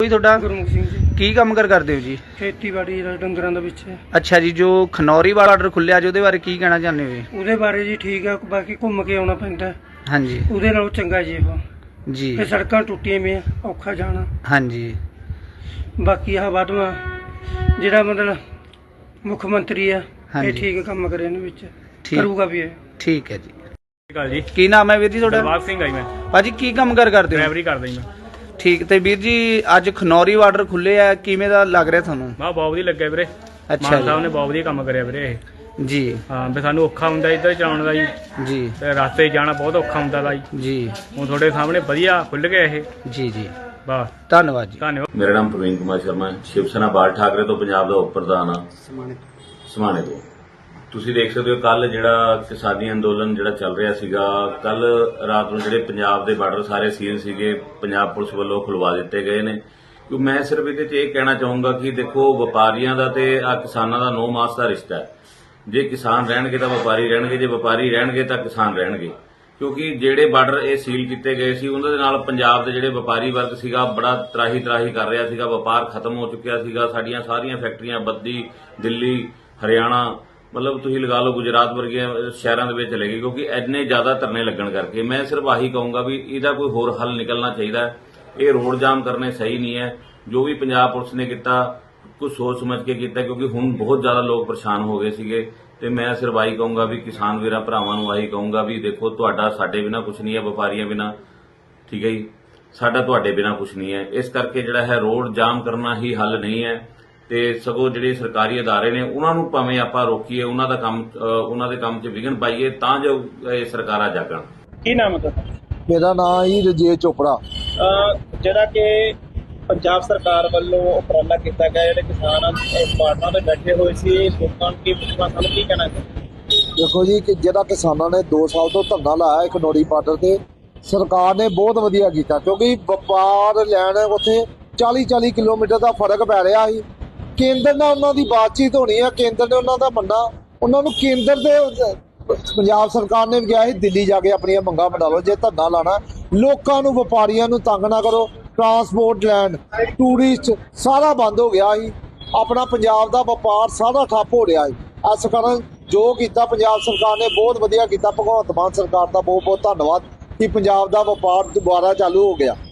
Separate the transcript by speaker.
Speaker 1: ਜੀ ਤੁਹਾਡਾ?
Speaker 2: ਗੁਰਮੁਖ ਸਿੰਘ ਜੀ।
Speaker 1: ਕੀ ਕੰਮ ਕਰਦੇ ਹੋ ਜੀ?
Speaker 2: ਖੇਤੀਬਾੜੀ ਦਾ ਡੰਗਰਾਂ ਦਾ ਵਿੱਚ।
Speaker 1: ਅੱਛਾ ਜੀ, ਜੋ ਖਨੌਰੀ ਵਾਲਾ ਆਰਡਰ ਖੁੱਲਿਆ ਜੀ ਉਹਦੇ ਬਾਰੇ ਕੀ ਕਹਿਣਾ ਚਾਹੁੰਦੇ ਹੋ ਜੀ?
Speaker 2: ਉਹਦੇ ਬਾਰੇ ਜੀ ਠੀਕ ਆ, ਬਾਕੀ ਘੁੰਮ ਕੇ ਆਉਣਾ ਪੈਂਦਾ।
Speaker 1: ਹਾਂਜੀ
Speaker 2: ਉਹਦੇ ਨਾਲੋਂ ਚੰਗਾ ਜੀ ਉਹ
Speaker 1: ਜੀ।
Speaker 2: ਇਹ ਸੜਕਾਂ ਟੁੱਟੀਆਂ ਵੀ ਔਖਾ ਜਾਣਾ।
Speaker 1: ਹਾਂਜੀ
Speaker 2: ਬਾਕੀ ਆਹ ਵਾਧਵਾ ਜਿਹੜਾ ਮਤਲਬ ਮੁੱਖ ਮੰਤਰੀ ਆ ਇਹ ਠੀਕ ਕੰਮ ਕਰੇ ਇਹਦੇ ਵਿੱਚ, ਕਰੂਗਾ ਵੀ ਇਹ।
Speaker 1: ਠੀਕ ਹੈ ਜੀ।
Speaker 3: ਜੀ
Speaker 1: ਕੀ ਨਾਮ ਹੈ ਵੀਰ ਜੀ ਤੁਹਾਡਾ?
Speaker 3: ਦਿਲਬਾਗ ਸਿੰਘ ਆਈ ਮੈਂ
Speaker 1: ਭਾਜੀ ਕੀ ਕੰਮ ਕਰਦੇ ਹੋ?
Speaker 3: ਡਰਾਈਵਰੀ ਕਰਦਾ ਜੀ ਮੈਂ।
Speaker 1: ਠੀਕ, ਤੇ ਵੀਰ ਜੀ ਅੱਜ ਖਨੌਰੀ ਬਾਰਡਰ ਖੁੱਲੇ ਆ, ਕਿਵੇਂ ਦਾ ਲੱਗ ਰਿਹਾ ਤੁਹਾਨੂੰ?
Speaker 3: ਬਹੁਤ ਵਧੀਆ ਲੱਗਿਆ ਵੀਰੇ।
Speaker 1: ਅੱਛਾ
Speaker 3: ਮਾਨ ਸਾਹਿਬ ਨੇ ਬਹੁਤ ਵਧੀਆ ਕੰਮ ਕਰਿਆ ਵੀਰੇ ਇਹ।
Speaker 1: ਜੀ
Speaker 3: ਹਾਂ ਵੀ ਸਾਨੂੰ ਔਖਾ ਹੁੰਦਾ ਇੱਧਰ ਚਲਾਉਣ ਦਾ ਜੀ,
Speaker 1: ਜੀ
Speaker 3: ਤੇ ਰਸਤੇ 'ਚ ਜਾਣਾ ਬਹੁਤ ਔਖਾ ਹੁੰਦਾ ਦਾ ਜੀ।
Speaker 1: ਜੀ
Speaker 3: ਹੁਣ ਤੁਹਾਡੇ ਸਾਹਮਣੇ ਵਧੀਆ ਖੁੱਲ ਗਿਆ ਇਹ।
Speaker 1: ਜੀ ਜੀ
Speaker 3: ਬਸ
Speaker 1: ਧੰਨਵਾਦ ਜੀ।
Speaker 3: ਧੰਨਵਾਦ।
Speaker 4: ਮੇਰਾ ਨਾਮ ਪ੍ਰਵੀਨ ਕੁਮਾਰ ਸ਼ਰਮਾ, ਸ਼ਿਵ ਸੈਨਾ ਬਾਲ ਠਾਕਰੇ ਤੋਂ ਪੰਜਾਬ ਦਾ ਉਪ ਪ੍ਰਧਾਨ ਆ ਸਮਾਣੇ ਤੋਂ। ਤੁਸੀਂ ਦੇਖ ਸਕਦੇ ਹੋ ਕੱਲ ਜਿਹੜਾ ਕਿਸਾਨੀ ਅੰਦੋਲਨ ਜਿਹੜਾ ਚੱਲ ਰਿਹਾ ਸੀਗਾ, ਕੱਲ ਰਾਤ ਨੂੰ ਜਿਹੜੇ ਪੰਜਾਬ ਦੇ ਬਾਰਡਰ ਸਾਰੇ ਸੀਲ ਸੀਗੇ ਪੰਜਾਬ ਪੁਲਿਸ ਵੱਲੋਂ ਖੁਲਵਾ ਦਿੱਤੇ ਗਏ ਨੇ। ਕਿਉਂਕਿ ਮੈਂ ਸਿਰਫ ਇਹਦੇ 'ਚ ਇਹ ਕਹਿਣਾ ਚਾਹੂੰਗਾ ਕਿ ਦੇਖੋ ਵਪਾਰੀਆਂ ਦਾ ਤੇ ਆ ਕਿਸਾਨਾਂ ਦਾ 9 ਮਾਸ ਦਾ ਰਿਸ਼ਤਾ ਹੈ। ਜੇ ਕਿਸਾਨ ਰਹਿਣਗੇ ਤਾਂ ਵਪਾਰੀ ਰਹਿਣਗੇ, ਜੇ ਵਪਾਰੀ ਰਹਿਣਗੇ ਤਾਂ ਕਿਸਾਨ ਰਹਿਣਗੇ। ਕਿਉਂਕਿ ਜਿਹੜੇ ਬਾਰਡਰ ਇਹ ਸੀਲ ਕੀਤੇ ਗਏ ਸੀ ਉਹਨਾਂ ਦੇ ਨਾਲ ਪੰਜਾਬ ਦੇ ਜਿਹੜੇ ਵਪਾਰੀ ਵਰਗ ਸੀਗਾ ਬੜਾ ਤਰਾਹੀ ਕਰ ਰਿਹਾ ਸੀਗਾ। ਵਪਾਰ ਖਤਮ ਹੋ ਚੁੱਕਿਆ ਸੀਗਾ। ਸਾਡੀਆਂ ਸਾਰੀਆਂ ਫੈਕਟਰੀਆਂ ਬੱਦੀ, ਦਿੱਲੀ, ਹਰਿਆਣਾ, ਮਤਲਬ ਤੁਸੀਂ ਲਗਾ ਲਓ ਗੁਜਰਾਤ ਵਰਗੀਆਂ ਸ਼ਹਿਰਾਂ ਦੇ ਵਿੱਚ ਚਲੇ ਗਏ, ਕਿਉਂਕਿ ਇੰਨੇ ਜ਼ਿਆਦਾ ਧਰਨੇ ਲੱਗਣ ਕਰਕੇ। ਮੈਂ ਸਿਰਫ ਆਹੀ ਕਹੂੰਗਾ ਵੀ ਇਹਦਾ ਕੋਈ ਹੋਰ ਹੱਲ ਨਿਕਲਣਾ ਚਾਹੀਦਾ ਹੈ। ਇਹ ਰੋਡ ਜਾਮ ਕਰਨੇ ਸਹੀ ਨਹੀਂ ਹੈ। ਜੋ ਵੀ ਪੰਜਾਬ ਪੁਲਿਸ ਨੇ ਕੀਤਾ ਕੁਝ ਸੋਚ ਸਮਝ ਕੇ ਕੀਤਾ, ਕਿਉਂਕਿ ਹੁਣ ਬਹੁਤ ਜ਼ਿਆਦਾ ਲੋਕ ਪਰੇਸ਼ਾਨ ਹੋ ਗਏ ਸੀਗੇ। ਤੇ ਮੈਂ ਸਿਰਫ ਆਹੀ ਕਹੂੰਗਾ ਵੀ ਕਿਸਾਨ ਵੀਰਾਂ ਭਰਾਵਾਂ ਨੂੰ ਆਹੀ ਕਹੂੰਗਾ ਵੀ ਦੇਖੋ ਤੁਹਾਡਾ ਸਾਡੇ ਬਿਨਾਂ ਕੁਝ ਨਹੀਂ ਹੈ, ਵਪਾਰੀਆਂ ਬਿਨਾਂ, ਠੀਕ ਹੈ ਜੀ, ਸਾਡਾ ਤੁਹਾਡੇ ਬਿਨਾਂ ਕੁਝ ਨਹੀਂ ਹੈ। ਇਸ ਕਰਕੇ ਜਿਹੜਾ ਹੈ ਰੋਡ ਜਾਮ ਕਰਨਾ ਹੀ ਹੱਲ ਨਹੀਂ ਹੈ। ਤੇ ਸਗੋਂ ਜਿਹੜੇ ਸਰਕਾਰੀ ਅਦਾਰੇ ਨੇ ਉਹਨਾਂ ਨੂੰ ਭਾਵੇਂ ਆਪਾਂ ਰੋਕੀਏ, ਉਹਨਾਂ ਦੇ ਕੰਮ 'ਚ ਵਿਘਨ ਪਾਈਏ ਤਾਂ ਜੋ ਇਹ ਸਰਕਾਰਾਂ ਜਾਗਣ।
Speaker 5: ਕੀ ਨਾਮ ਹੈ ਤੁਹਾਡਾ?
Speaker 6: ਮੇਰਾ ਨਾਮ ਹੀ ਰਜੇ ਚੋਪੜਾ।
Speaker 5: ਜਿਹੜਾ ਕਿ ਪੰਜਾਬ ਸਰਕਾਰ ਵੱਲੋਂ ਉਪਰਾਲਾ ਕੀਤਾ ਗਿਆ, ਜਿਹੜੇ ਕਿਸਾਨ ਬਾਰਡਰਾਂ ਤੇ ਬੈਠੇ ਹੋਏ ਸੀ, ਲੋਕਾਂ ਨੂੰ ਕੀ ਪੁੱਛਣਾ, ਸਾਨੂੰ ਕੀ ਕਹਿਣਾ ਚਾਹੀਦਾ?
Speaker 6: ਦੇਖੋ ਜੀ ਕਿ ਜਿਹੜਾ ਕਿਸਾਨਾਂ ਨੇ 2 ਸਾਲ ਤੋਂ ਧਰਨਾ ਲਾਇਆ ਖਨੌਰੀ ਬਾਰਡਰ ਤੇ, ਸਰਕਾਰ ਨੇ ਬਹੁਤ ਵਧੀਆ ਕੀਤਾ। ਕਿਉਂਕਿ ਵਪਾਰ ਲੈਣ ਉੱਥੇ 40-40 ਕਿਲੋਮੀਟਰ ਦਾ ਫਰਕ ਪੈ ਰਿਹਾ ਸੀ। ਕੇਂਦਰ ਨਾਲ ਉਹਨਾਂ ਦੀ ਬਾਤਚੀਤ ਹੋਣੀ ਹੈ, ਕੇਂਦਰ ਨੇ ਉਹਨਾਂ ਦਾ ਮੰਨਣਾ, ਉਹਨਾਂ ਨੂੰ ਕੇਂਦਰ ਦੇ ਪੰਜਾਬ ਸਰਕਾਰ ਨੇ ਵੀ ਕਿਹਾ ਸੀ ਦਿੱਲੀ ਜਾ ਕੇ ਆਪਣੀਆਂ ਮੰਗਾਂ ਬਣਾ ਲਓ। ਜੇ ਧਰਨਾ ਲਾਣਾ, ਲੋਕਾਂ ਨੂੰ ਵਪਾਰੀਆਂ ਨੂੰ ਤੰਗ ਨਾ ਕਰੋ। ਟਰਾਂਸਪੋਰਟ ਲੈਂਡ, ਟੂਰਿਸਟ ਸਾਰਾ ਬੰਦ ਹੋ ਗਿਆ ਸੀ। ਆਪਣਾ ਪੰਜਾਬ ਦਾ ਵਪਾਰ ਸਾਰਾ ਠੱਪ ਹੋ ਰਿਹਾ ਹੈ। ਇਸ ਕਾਰਨ ਜੋ ਕੀਤਾ ਪੰਜਾਬ ਸਰਕਾਰ ਨੇ ਬਹੁਤ ਵਧੀਆ ਕੀਤਾ। ਭਗਵੰਤ ਮਾਨ ਸਰਕਾਰ ਦਾ ਬਹੁਤ ਬਹੁਤ ਧੰਨਵਾਦ ਕਿ ਪੰਜਾਬ ਦਾ ਵਪਾਰ ਦੁਬਾਰਾ ਚਾਲੂ ਹੋ ਗਿਆ।